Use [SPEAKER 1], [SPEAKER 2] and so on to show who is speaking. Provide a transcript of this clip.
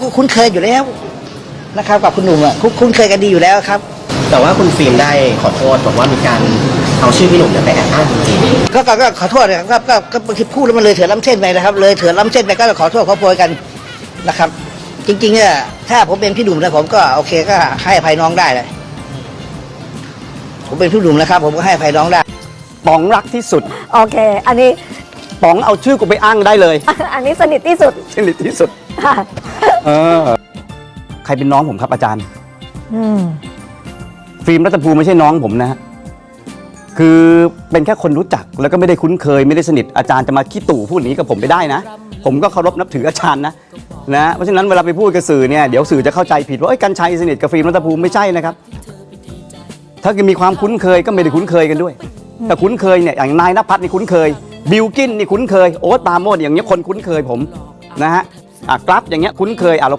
[SPEAKER 1] คุ้นเคยอยู่แล้วนะครับกับคุณหนุ่มอ่ะคุ้นเคยกันดีอยู่แล้วครับ
[SPEAKER 2] แต่ว่าคุณฟิล์มได้ขอโทษบอกว่ามีการเอาชื่อพี่หนุ่มเนี่ยไปแอบอ้างจริง
[SPEAKER 1] ก็ขอโทษนะครับก็บางทีพูดแล้วมันเลยเถื่อนล้ำเส้นไปนะครับเลยเถื่อนล้ำเส้นไปก็ขอโทษขอโพยกันนะครับจริงๆเนี่ยถ้าผมเป็นพี่หนุ่มนะผมก็โอเคก็ให้อภัยน้องได้เลยผมเป็นพี่หนุ่มนะครับผมก็ให้อภัยน้องได้
[SPEAKER 3] ป๋องรักที่สุด
[SPEAKER 4] โอเค อันนี้
[SPEAKER 3] ป๋องเอาชื่อกูไปอ้างได้เลย
[SPEAKER 4] อันนี้สนิทที่สุด
[SPEAKER 3] สนิทที่สุด
[SPEAKER 4] ค่ะ
[SPEAKER 3] ใครเป็นน้องผมครับอาจารย์
[SPEAKER 4] อืม
[SPEAKER 3] ฟิล์มรัตภูมิไม่ใช่น้องผมนะฮะคือเป็นแค่คนรู้จักแล้วก็ไม่ได้คุ้นเคยไม่ได้สนิทอาจารย์จะมาขี้ตู่พูดอย่างนี้กับผมไม่ได้นะผมก็เคารพนับถืออาจารย์นะเพราะฉะนั้นเวลาไปพูดกับสื่อเนี่ยเดี๋ยวสื่อจะเข้าใจผิดว่ากัญชัยสนิทกับฟิล์มรัตภูมิไม่ใช่นะครับถ้ามีความคุ้นเคยก็ไม่ได้คุ้นเคยกันด้วยแต่คุ้นเคยเนี่ยอย่างนายณภัทรนี่คุ้นเคยบิลกินนี่คุ้นเคยโอ๊ตปราโมชอย่างเงี้ยคนคุ้นเคยผมนะฮะกราฟอย่างเงี้ยคุ้นเคยเรา